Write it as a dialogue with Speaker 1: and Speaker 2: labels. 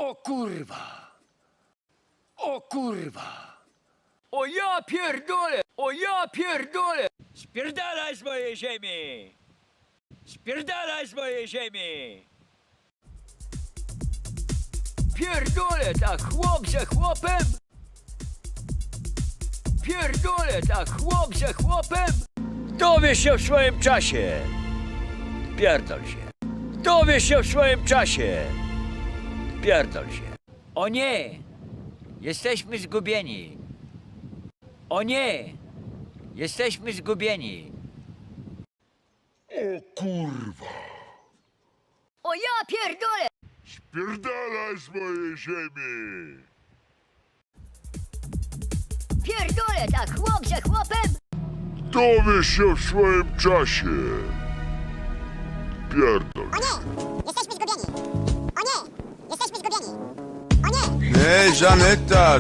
Speaker 1: O kurwa! O kurwa!
Speaker 2: O ja pierdolę! O ja pierdolę! Spierdalaj z mojej ziemi! Spierdalaj z mojej ziemi! Pierdolę tak chłop ze chłopem! Pierdolę tak chłop ze chłopem! Dowiesz się w swoim czasie! Pierdol się! Dowiesz się w swoim czasie! Pierdol się! O nie! Jesteśmy zgubieni! O nie! Jesteśmy zgubieni!
Speaker 3: O kurwa!
Speaker 4: O ja pierdolę!
Speaker 3: Spierdalaj z mojej ziemi!
Speaker 4: Pierdolę tak chłop ze chłopem!
Speaker 3: Dowiesz się w swoim czasie! Pierdol.
Speaker 5: O nie! Jesteśmy zgubieni! O nie! Jesteśmy zgubieni! O nie!
Speaker 6: Hej, Żaneta,